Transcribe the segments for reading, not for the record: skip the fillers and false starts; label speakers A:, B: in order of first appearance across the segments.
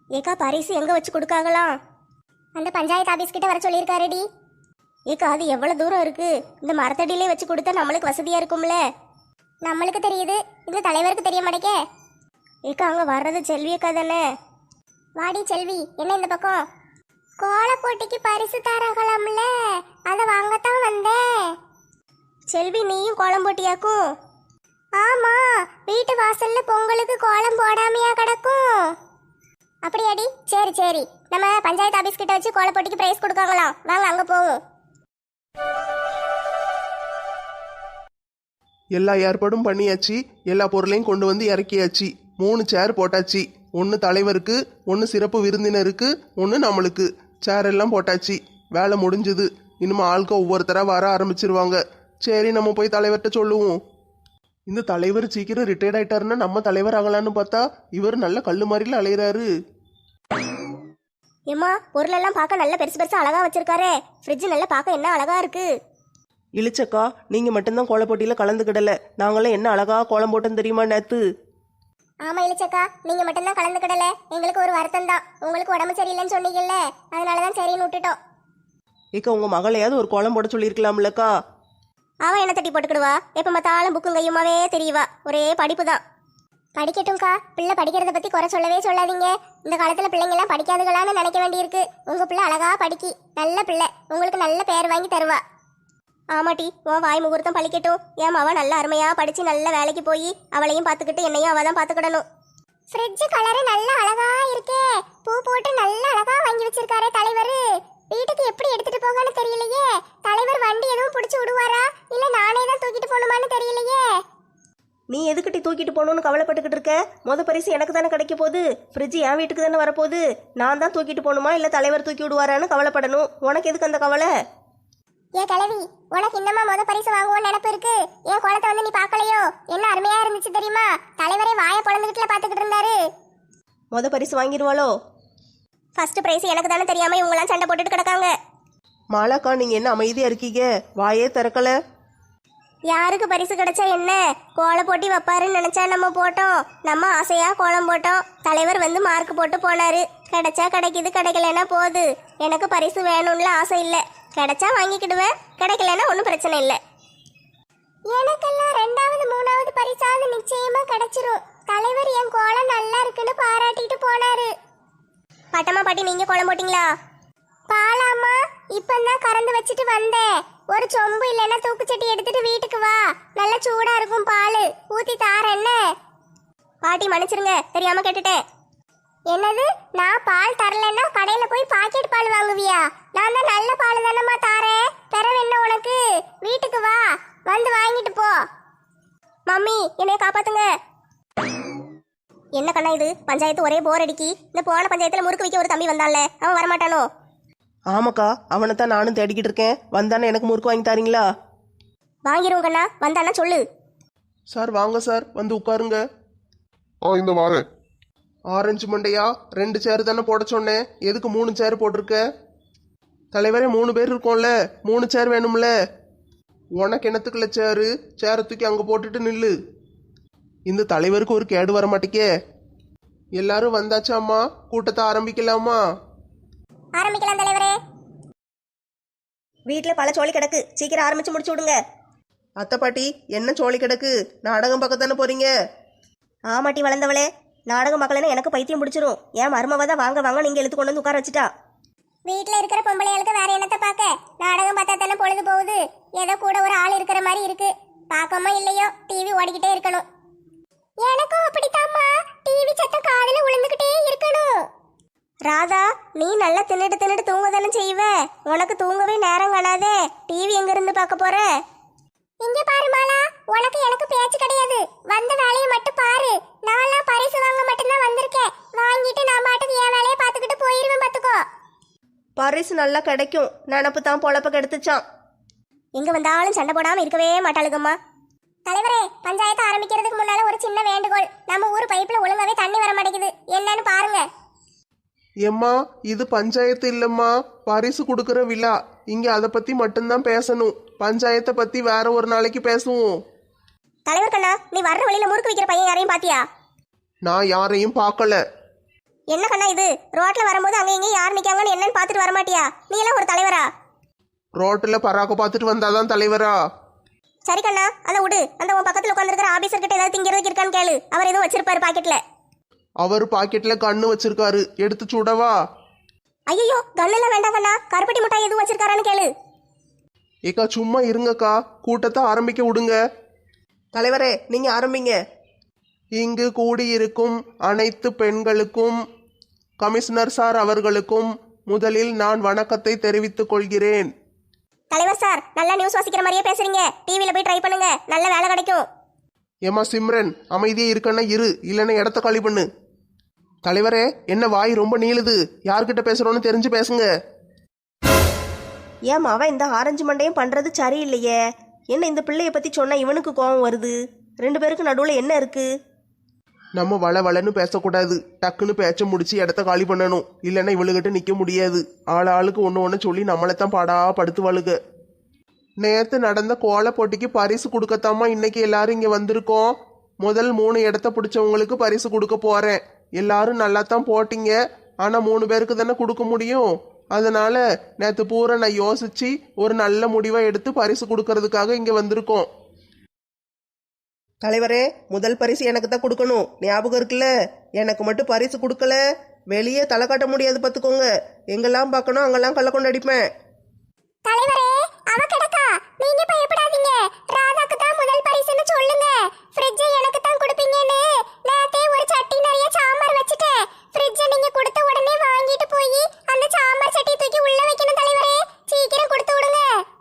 A: ஏக்கா பரிசு எங்க வச்சு கொடுக்காங்களாம்?
B: அந்த பஞ்சாயத்து ஆபீஸ் கிட்ட வர சொல்லியிருக்காருடி.
A: ஏக்கா அது எவ்வளவு தூரம் இருக்கு? இந்த மரத்தடியிலே வச்சு கொடுத்தா நம்மளுக்கு வசதியா இருக்கும்ல.
B: நம்மளுக்கு தெரியுது, இந்த தலைவருக்கு தெரிய மாட்டேக்கே.
A: ஏக்கா அங்க வர்றது செல்வி அக்கா தானே?
B: வாடி செல்வி, என்ன இந்த பக்கம்? கோல போட்டிக்கு பரிசு தராங்களாம்ல, அதை வாங்கத்தான் வந்தேன்.
A: செல்வி நீயும் கோலம் போட்டியாக்கும்?
B: ஆமா, வீட்டு வாசல்ல பொங்கலுக்கு கோலம் போடாமையா கிடக்கும். அப்படியாடி? சரி சரி, நம்ம பஞ்சாயத்து ஆபீஸ் கிட்ட வச்சு கோல போட்டிக்கு பிரைஸ் கொடுக்காங்களாம், வாங்க அங்க போவோம்.
C: எல்லா ஏற்பாடும் பண்ணியாச்சு. எல்லா பொருளையும் கொண்டு வந்து இறக்கியாச்சு. 3 சேர் போட்டாச்சு. 1 தலைவருக்கு, 1 சிறப்பு விருந்தினருக்கு, 1 நம்மளுக்கு. சேர் எல்லாம் போட்டாச்சு. வேலை முடிஞ்சது. இனிமே ஆளுக்க ஒவ்வொருத்தரா வர ஆரம்பிச்சிருவாங்க. சரி, நம்ம போய் தலைவர்கிட்ட சொல்லுவோம். இந்த தலைவர் சீக்கிரம் ரிட்டையர்ட் ஆயிட்டாருன்னா நம்ம தலைவர் ஆகலான்னு பார்த்தா இவர் நல்ல கல்லு மாதிரில அலையிறாரு.
A: ஏம்மா பொருளெல்லாம் பார்க்க நல்ல பெருசு பெருசா அழகா வச்சிருக்காரே. ஃப்ரிட்ஜ் நல்லா பார்க்க என்ன அழகா இருக்கு.
D: இழிச்சக்கா, நீங்க மட்டும்தான் கோல போட்டியில கலந்துக்கிடல. நாங்களாம் என்ன அழகா கோலம் போட்டோன்னு தெரியுமா நேத்து?
B: ஆமா இளிச்சக்கா, நீங்க மட்டும்தான் கலந்துக்கிடல. எங்களுக்கு ஒரு வருத்தம் தான். உங்களுக்கு உடம்பு சரியில்லைன்னு சொன்னீங்கல்ல, அதனாலதான் சரின்னு விட்டுட்டோம்.
D: ஏக்கா, உங்க மகளையாவது ஒரு கோலம் போட சொல்லியிருக்கலாம்லக்கா.
A: அவன் என்ன தட்டி போட்டுக்கிடுவா? எப்ப பார்த்தாலும் புக்கும் கையுமாவே தெரியவா. ஒரே படிப்பு தான்.
B: படிக்கட்டும்க்கா, பிள்ளை படிக்கிறத பத்தி குறை சொல்லவே சொல்லாதீங்க. இந்த காலத்துல பிள்ளைங்க எல்லாம் படிக்காதுகளான்னு நினைக்க வேண்டியிருக்கு. உங்க பிள்ளை அழகா படிக்கி, நல்ல பிள்ளை, உங்களுக்கு நல்ல பேர் வாங்கி தருவா.
A: ஆமாட்டி, உன் வாய் முகூர்த்தம் பழிக்கட்டும். ஏன் அவ நல்ல அருமையா படிச்சு நல்ல வேலைக்கு போய் அவளையும் பார்த்துக்கிட்டு என்னையும் அவ தான் பார்த்துக்கிடணும்.
B: ஃப்ரிட்ஜ் கலரு நல்ல அழகா இருக்கே. பூ போட்டு நல்ல அழகா வாங்கி வச்சிருக்காரே தலைவர். வீட்டுக்கு எப்படி எடுத்துட்டு போகன்னு தெரியலையே. தலைவர் வண்டி எதுவும் பிடிச்சி விடுவாரா, இல்ல நானே தான் தூக்கிட்டு போகணுமான்னு தெரியலையே.
D: நீ எதுக்கிட்டி தூக்கிட்டு போகணும்னு கவலைப்பட்டுக்கிட்டு இருக்க? பரிசு எனக்கு தானே கிடைக்க போகுது. ஃப்ரிட்ஜ் என் வீட்டுக்கு தானே வரப்போகுது. நான் தான் தூக்கிட்டு போகணுமா இல்லை தலைவர் தூக்கி விடுவாரான்னு கவலைப்படணும். உனக்கு எதுக்கு அந்த கவலை?
B: ஏன் கிழவி, உனக்கு இன்னமா பரிசு வாங்குவோம் நினைப்பு இருக்கு? ஏன் கோலத்தை வந்து நீ பார்க்கலையோ? என்ன அருமையா இருந்துச்சு தெரியுமா? தலைவரே வாயை பொழந்துகிட்டுல பாத்துக்கிட்டு இருந்தாரு.
D: பரிசு வாங்கிடுவாளோ?
A: ஃபர்ஸ்ட் பிரைஸ் எனக்கு தானே தெரியாம இவங்கெல்லாம் சண்டை போட்டுட்டு கிடக்காங்க.
D: மாலாக்கா, நீங்க என்ன அமைதியா இருக்கீங்க? வாயே திறக்கல.
A: யாருக்கு பரிசு கிடைச்சா என்ன? கோல போட்டி வைப்பாருன்னு நினைச்சா நம்ம போட்டோம். நம்ம ஆசையா கோலம் போட்டோம். தலைவர் வந்து மார்க் போட்டு போனாரு. கிடைச்சா கிடைக்குது, கிடைக்கலன்னா போகுது. எனக்கு பரிசு வேணும்ல ஆசை இல்லை. கிடைச்சா வாங்கிக்கிடுவேன், கிடைக்கலன்னா ஒன்றும் பிரச்சனை இல்லை.
B: எனக்கெல்லாம் 2வது 3வது பரிசாவது நிச்சயமா கிடைச்சிரும். தலைவர் என் கோலம் நல்லா இருக்குன்னு பாராட்டிட்டு போனாரு.
A: பட்டம்மா பாட்டி, நீங்க கோலம் போட்டீங்களா?
B: பாலாமா, இப்பதான் கறந்து வச்சுட்டு வந்தேன். ஒரு சொம்பு இல்லைன்னா தூக்குச்சட்டி எடுத்துட்டு வீட்டுக்கு வா. நல்லா சூடா இருக்கும் பால், ஊத்தி தாரேன். என்ன
A: பாட்டி மன்னிச்சிருங்க, தெரியாம கேட்டுட்டேன்.
B: என்னது? நான் பால் தரலன்னா கடையில போய் பாக்கெட் பால் வாங்குவியா? நான் தான் நல்ல பால் தானம்மா தாரேன். பிறவு என்ன உனக்கு? வீட்டுக்கு வா, வந்து வாங்கிட்டு போ.
A: மம்மி என்னைய காப்பாத்துங்க. என்ன கண்ணா இது? பஞ்சாயத்து ஒரே போர் அடிக்கி. இந்த போன பஞ்சாயத்துல முறுக்கு வைக்க ஒரு தம்பி வந்தான்ல, அவன் வரமாட்டானோ?
D: ஆமாக்கா, அவனைத்தான் நானும் தேடிக்கிட்டு இருக்கேன். வந்தானே எனக்கு முறுக்கு வாங்கி தாரீங்களா?
A: வாங்கிருவோம் கண்ணா, வந்தானா சொல்லு.
C: சார் வாங்க சார், வந்து உட்காருங்க.
E: இந்த வாரேன்.
C: ஆரஞ்சு மண்டையா, 2 சேர் தானே போட சொன்னேன். எதுக்கு 3 சேர் போட்டிருக்க? தலைவரே 3 பேர் இருக்கோம்ல, 3 சேர் வேணும்ல. உனக்கு என்னத்துக்குள்ள சேரு? சேரை தூக்கி அங்கே போட்டுட்டு நில்லு. இந்த தலைவருக்கு ஒரு கேடு வர மாட்டேக்கே. எல்லாரும் வந்தாச்சாம்மா? கூட்டத்தை ஆரம்பிக்கலாமா?
B: ஆரம்பிக்கலாம் தலைவரே.
D: வீட்டில் பல சோழி கிடக்கு, சீக்கிரம் ஆரம்பிச்சு முடிச்சு விடுங்க. அத்தை பாட்டி, என்ன சோழி கிடக்கு? நாடகம் பார்க்க தானே போறீங்க?
A: ஆமாட்டி வளர்ந்தவளே, நாடகம் பார்க்கலன்னா எனக்கு பைத்தியம் பிடிச்சிரும். ஏன் மருமவ தான் வாங்க வாங்க நீங்க எழுத்து கொண்டு வந்து உட்கார வச்சுட்டா.
B: வீட்டுல இருக்கிற பொம்பளைகளுக்கு வேற என்னத்தை பார்க்க? நாடகம் பார்த்தா தானே பொழுது போகுது. ஏதோ கூட ஒரு ஆள் இருக்கிற மாதிரி இருக்கு. பார்க்கமா இல்லையோ டிவி ஓடிக்கிட்டே இருக்கணும். எனக்கும் அப்படித்தாம்மா, டிவி சத்தம் காதுல விழுந்துகிட்டே இருக்கணும்.
A: ராதா, நீ நல்லா தின்னுட்டு தின்னுட்டு தூங்க தானே செய்வ. உனக்கு தூங்கவே நேரம் காணாதே. டிவி எங்க இருந்து பார்க்க போற?
B: இங்க பாரு மாலா, உனக்கு எனக்கு பேச்சு கிடையாது. வந்த வேலையை மட்டும் பாரு. நான்லாம் பரிசு வாங்க மட்டும்தான் வந்திருக்கேன். வாங்கிட்டு நான் பாட்டுக்கு என் வேலையை பார்த்துக்கிட்டு போயிருவேன் பார்த்துக்கோ.
D: பரிசு நல்லா கிடைக்கும். நினப்பு தான் பொழப்ப கெடுத்துச்சான்.
A: எங்க வந்தாலும் சண்டை போடாம இருக்கவே மாட்டாளுங்கம்மா.
B: தலைவரே, பஞ்சாயத்து ஆரம்பிக்கிறதுக்கு முன்னால ஒரு சின்ன வேண்டுகோள். நம்ம ஊர் பைப்ல ஒழுங்காவே தண்ணி வர மாட்டேங்குது, என்னன்னு பாருங்க.
C: ஏம்மா, இது பஞ்சாயத்து இல்லம்மா, பரிசு கொடுக்கற விழா. இங்க அதை பத்தி மட்டும்தான் பேசணும். பஞ்சாயத்தை பத்தி வேற ஒரு நாளைக்கு பேசுவோம்.
A: தலைவர் கண்ணா, நீ வர்ற வழியில முறுக்கு வைக்கிற பையன் யாரையும் பாத்தியா?
C: நான் யாரையும் பார்க்கல.
A: என்ன கண்ணா இது? ரோட்ல வரும்போது அங்க இங்க யார் நிக்காங்கன்னு என்னன்னு பாத்துட்டு வரமாட்டியா? நீ எல்லாம் ஒரு தலைவரா?
C: ரோட்டில் பராக்க பார்த்துட்டு வந்தாதான் தலைவரா?
A: சரி கண்ணா, அதை விடு. அந்த உன் பக்கத்துல உட்காந்துருக்கிற ஆபீசர் கிட்ட ஏதாவது திங்கிறதுக்கு இருக்கான்னு கேளு. அவர் எதுவும் வச்சிருப்பாரு பாக்கெட்ல.
C: அவர் பாக்கெட்ல கண்ணு வச்சிருக்காரு, எடுத்து சுடவா?
A: ஐயோ, கண்ணெல்லாம் வேண்டாம் கண்ணா. கருப்பட்டி மிட்டாய் எதுவும் வச்சிருக்காரான்னு கேளு.
C: ஏக்கா சும்மா இருங்கக்கா, கூட்டத்தை ஆரம்பிக்க விடுங்க.
D: தலைவரே நீங்க ஆரம்பிங்க.
C: இங்கு கூடியிருக்கும் அனைத்து பெண்களுக்கும் கமிஷனர் சார் அவர்களுக்கும் முதலில் நான் வணக்கத்தை தெரிவித்துக் கொள்கிறேன்.
A: தலைவர் சார், நல்லா நியூஸ் வாசிக்கிற மாதிரியே பேசுறீங்க. டிவில போய் ட்ரை பண்ணுங்க, நல்ல வேலை கிடைக்கும்.
C: ஏமா சிம்ரன், அமைதியே இருக்கன்னா இரு, இல்லைன்னா இடத்த காலி பண்ணு. தலைவரே, என்ன வாய் ரொம்ப நீளுது? யார்கிட்ட பேசுறோன்னு தெரிஞ்சு பேசுங்க.
D: ஏன் அவன் இந்த ஆரஞ்சு மண்டையும் பண்றது சரியில்லையே. என்ன இந்த பிள்ளைய பத்தி சொன்னா இவனுக்கு கோபம் வருது? ரெண்டு பேருக்கு நடுவில் என்ன இருக்கு?
C: நம்ம வளன்னு பேசக்கூடாது, டக்குன்னு பேச்ச முடிச்சு இடத்த காலி பண்ணணும். இல்லைன்னா இவளுகிட்ட நிற்க முடியாது. ஆளுக்கு ஒன்று சொல்லி நம்மளைத்தான் பாடா படுத்துவாளுக. நேற்று நடந்த கோல போட்டிக்கு பரிசு கொடுக்கத்தாமா இன்னைக்கு எல்லாரும் இங்கே வந்திருக்கோம். முதல் 3 இடத்த பிடிச்சவங்களுக்கு பரிசு கொடுக்க போறேன். எல்லாரும் நல்லா தான் போட்டீங்க, ஆனால் 3 பேருக்கு தானே கொடுக்க முடியும். அதனால நேற்று பூரா நான் யோசிச்சு ஒரு நல்ல முடிவை எடுத்து பரிசு கொடுக்கறதுக்காக இங்கே வந்திருக்கோம்.
D: தலைவரே, முதல் பரிசு எனக்கு தான் கொடுக்கணும், ஞாபகம் இருக்குல்ல? எனக்கு மட்டும் பரிசு கொடுக்கல, வெளியே தலை காட்ட முடியாது பார்த்துக்கோங்க. எங்கெல்லாம் பார்க்கணும் அங்கெல்லாம் கள்ள கொண்டு அடிப்பேன்.
B: தலைவரே, அவ கிடக்கா. நீங்க பயப்படாதீங்க. ராதாக்கு தான் முதல் பரிசுன்னு சொல்லுங்க. ஃப்ரிட்ஜை எனக்கு தான் கொடுப்பீங்கன்னு நேத்தே ஒரு சட்டி நிறைய சாம்பார் வச்சுட்டேன். ஃப்ரிட்ஜை நீங்க கொடுத்த உடனே வாங்கிட்டு போய் அந்த சாம்பார் சட்டியை தூக்கி உள்ள வைக்கணும் தலைவரே. சீக்கிரம் கொடுத்து விடுங்க.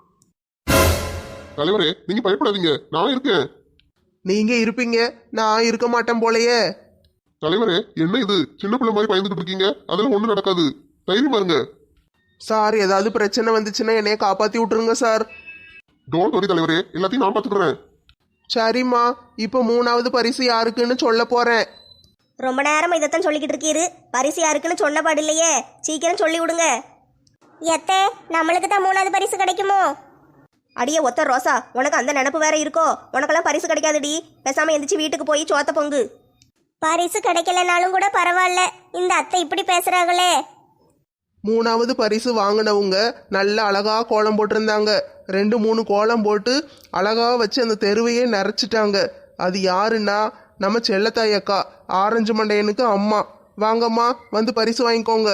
E: தலைவரே நீங்க பயப்படாதீங்க, நான் இருக்கேன்.
C: நீங்க இருப்பீங்க, நான் இருக்க மாட்டேன் போலயே.
E: தலைவரே என்ன இது, சின்ன பிள்ளை மாதிரி பயந்துட்டு இருக்கீங்க? அதெல்லாம் ஒண்ணும் நடக்காது, தைரியமா இருங்க.
C: சார், ஏதாவது பிரச்சனை வந்துச்சுன்னா என்னைய காப்பாத்தி விட்டுருங்க சார்.
E: டோன்ட் வரி தலைவரே, எல்லாத்தையும் நான் பார்த்துக்கிறேன்.
C: சரிம்மா, இப்போ 3வது பரிசு யாருக்குன்னு சொல்ல போறேன்.
D: ரொம்ப நேரமா இதைத்தான் சொல்லிக்கிட்டு இருக்கீரு. பரிசு யாருக்குன்னு சொன்ன பாடு இல்லையே, சீக்கிரம் சொல்லி விடுங்க.
A: எத்தே, நம்மளுக்கு தான் 3வது பரிசு கிடைக்குமோ?
D: அடியே ஒத்த ரோசா, உனக்கு அந்த நினப்பு வேற இருக்கோ? உனக்கெல்லாம் பரிசு கிடைக்காதுடி. பேசாம எந்திரிச்சு வீட்டுக்கு போய் சோத்த பொங்கு.
A: பரிசு கிடைக்கலனாலும் கூட பரவாயில்ல, இந்த அத்தை இப்படி பேசுறாங்களே.
C: 3வது பரிசு வாங்கினவங்க நல்ல அழகா கோலம் போட்டிருந்தாங்க. 2-3 கோலம் போட்டு அழகா வச்சு அந்த தெருவையே நிறைச்சிட்டாங்க. அது யாருன்னா நம்ம செல்லத்தாய் அக்கா, ஆரஞ்சு மண்டையனுக்கு அம்மா. வாங்கம்மா, வந்து பரிசு வாங்கிக்கோங்க.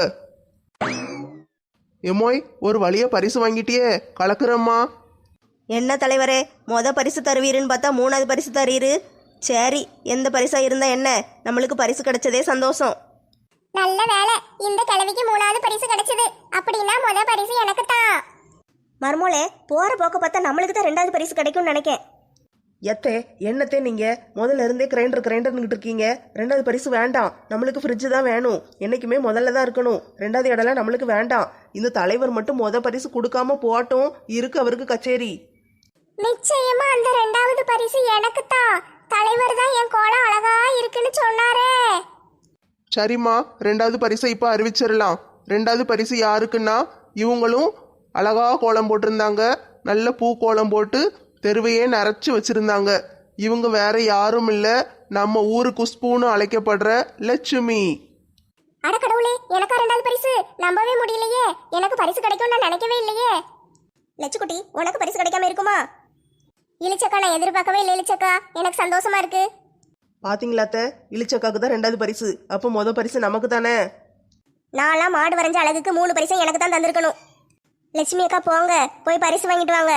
C: எம்மோய், ஒரு வழியா பரிசு வாங்கிட்டியே, கலக்குறம்மா.
D: என்ன தலைவரே, பரிசு தருவீருன்னு பார்த்தா 3வது பரிசு தரீரு. சரி, எந்த பரிசா இருந்தா என்ன, நம்மளுக்கு பரிசு கிடைச்சதே சந்தோஷம்.
B: நல்ல வேலை, இந்த கிழவிக்கு 3வது பரிசு கிடைச்சது. அப்படின்னா முதல் பரிசு எனக்கு தான்.
A: மர்மோளே, போற போக்க பார்த்தா நம்மளுக்கு தான் 2வது பரிசு கிடைக்கும்னு நினைக்கேன்.
D: எத்தே, என்னத்தே நீங்க முதல்ல இருந்தே கிரைண்டர்னுக்கிட்டு இருக்கீங்க? 2வது பரிசு வேண்டாம், நம்மளுக்கு ஃப்ரிட்ஜு தான் வேணும். என்னைக்குமே முதல்ல தான் இருக்கணும். 2வது இடம்லாம் நம்மளுக்கு வேண்டாம். இந்த தலைவர் மட்டும் பரிசு கொடுக்காம போட்டும், இருக்கு அவருக்கு கச்சேரி.
B: நிச்சயமா அந்த 2வது பரிசு எனக்கு தான். தலைவர் தான் என் கோலம் அழகா இருக்குன்னு சொன்னாரே.
C: சரிம்மா, 2வது பரிசை இப்போ அறிவிச்சிடலாம். 2வது பரிசு யாருக்குன்னா, இவங்களும் அழகா கோலம் போட்டிருந்தாங்க. நல்ல பூ கோலம் போட்டு தெருவையே நிறைச்சி வச்சிருந்தாங்க. இவங்க வேற யாரும் இல்லை, நம்ம ஊரு குஷ்புன்னு அழைக்கப்படுற லட்சுமி.
B: அட கடவுளே, எனக்கா 2வது பரிசு? நம்பவே முடியலையே. எனக்கு பரிசு கிடைக்கும் நான் நினைக்கவே இல்லையே.
A: லட்சுக்குட்டி, உனக்கு பரிசு கிடைக்காம இருக்குமா?
B: இளிச்சக்கா, நான் எதிர்பார்க்கவே இல்லை இளிச்சக்கா. எனக்கு சந்தோஷமா இருக்கு.
D: பாத்தீங்களாத்த, இளிச்சக்காக்கு தான் 2வது பரிசு. அப்போ முதல் பரிசு நமக்கு தானே.
A: நான்லாம் மாடு வரைஞ்ச அழகுக்கு 3 பரிசும் எனக்கு தான் தந்திருக்கணும். லட்சுமி அக்கா, போங்க, போய் பரிசு வாங்கிட்டு வாங்க.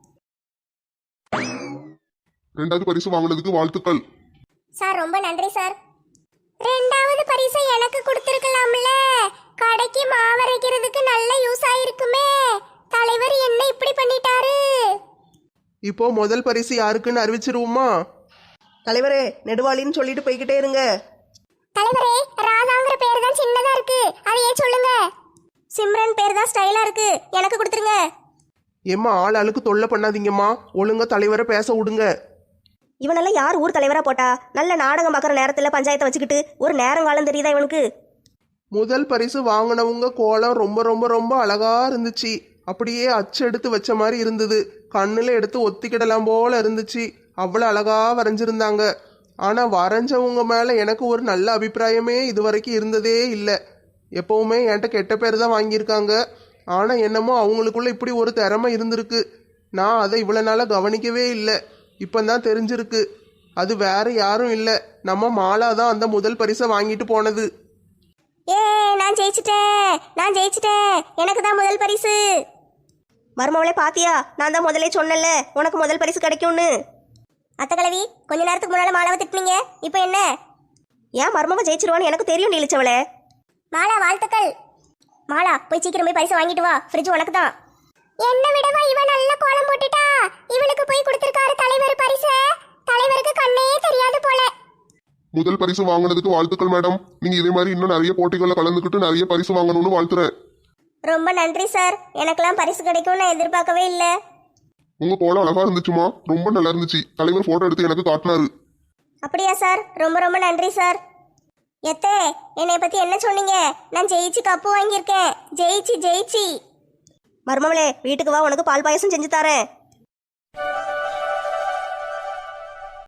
E: 2வது பரிசு வாங்கினதுக்கு வாழ்த்துக்கள்.
B: சார் ரொம்ப நன்றி சார். 2வது பரிசை எனக்கு கொடுத்துருக்கலாம்ல. கடைக்கு மாவரைக்கிறதுக்கு நல்ல யூஸ் ஆயிருக்குமே. தலைவர் என்ன இப்படி பண்ணிட்டாரு?
C: இப்போ முதல் பரிசு யாருக்குன்னு அறிவிச்சிருவோமா?
D: தலைவரே, நெடுவாளின்னு சொல்லிட்டு போய்கிட்டே இருங்க.
B: தலைவரே, ராதாங்கிற பேர் தான் சின்னதா இருக்கு, அதையே சொல்லுங்க.
A: சிம்ரன் பேர் தான் ஸ்டைலா இருக்கு, எனக்கு கொடுத்துருங்க.
C: ஏம்மா, ஆளுக்கு தொல்லை பண்ணாதீங்கம்மா, ஒழுங்கா தலைவரை பேச விடுங்க.
D: இவனெல்லாம் யார் ஊர் தலைவரா போட்டா? நல்ல நாடகம் பார்க்குற நேரத்தில் பஞ்சாயத்தை வச்சுக்கிட்டு ஒரு நேரங்காலம் தெரியுதா இவனுக்கு?
C: முதல் பரிசு வாங்கினவங்க கோலம் ரொம்ப ரொம்ப ரொம்ப அழகா இருந்துச்சு. அப்படியே அச்செடுத்து வச்ச மாதிரி இருந்தது. கண்ணில் எடுத்து ஒத்திக்கிடலாம் போல இருந்துச்சு. அவ்வளோ அழகா வரைஞ்சிருந்தாங்க. ஆனா வரைஞ்சவங்க மேல எனக்கு ஒரு நல்ல அபிப்பிராயமே இது வரைக்கும் இருந்ததே இல்லை. எப்பவுமே என்கிட்ட கெட்ட பேர் தான் வாங்கியிருக்காங்க. ஆனா என்னமோ அவங்களுக்குள்ள இப்படி ஒரு திறமை இருந்திருக்கு. நான் அதை இவ்வளவு நாளா கவனிக்கவே இல்லை. இப்பதான் தெரிஞ்சிருக்கு. அது வேற யாரும் இல்லை, நம்ம மாலா தான் அந்த முதல் பரிசை வாங்கிட்டு போனது.
A: ஏ நான் ஜெயிச்சிட்டேன் எனக்கு தான் முதல் பரிசு.
B: மருமவளே பாத்தியா, நான் தான் முதலே சொன்னேன்ல உனக்கு முதல் பரிசு கிடைக்கும்னு.
A: அத்தை கிழவி, கொஞ்ச நேரத்துக்கு முன்னால மாலாவை திட்டினீங்க, இப்போ என்ன?
B: ஏன் மருமவ ஜெயிச்சிருவான்னு எனக்கு தெரியும் நீலிச்சவளே.
A: மாலா வாழ்த்துக்கள். மாலா போய் சீக்கிரம் போய் பரிசு வாங்கிட்டு வா, ஃப்ரிட்ஜ் உனக்கு தான்.
B: என்ன விடவா இவ நல்ல கோலம் போட்டுட்டா. இவளுக்கு போய் கொடுத்திருக்காரு தலைவர் பரிசு. தலைவருக்கு கண்ணே தெரியாது போல.
E: முதல் பரிசு வாங்கினதுக்கு வாழ்த்துக்கள் மேடம். நீங்க இதே மாதிரி இன்னும் நிறைய போட்டிகளில் கலந்துக்கிட்டு நிறைய பரிசு வாங்கணும்னு வாழ்த்துறேன்.
A: ரொம்ப நன்றி சார், எனக்கெல்லாம் பரிசு கிடைக்கும்னு நான் எதிர்பார்க்கவே இல்லை.
E: உங்க கோலம் அழகா இருந்துச்சுமா, ரொம்ப நல்லா இருந்துச்சு. தலைவர் போட்டோ எடுத்து எனக்கு காட்டினாரு.
A: அப்படியா சார், ரொம்ப ரொம்ப நன்றி சார். எத்தே, என்னை பத்தி என்ன சொன்னீங்க? நான் ஜெயிச்சு கப்பு வாங்கியிருக்கேன். ஜெயிச்சு
B: மருமவளே வீட்டுக்கு வா, உனக்கு பால் பாயசம் செஞ்சு தரேன்.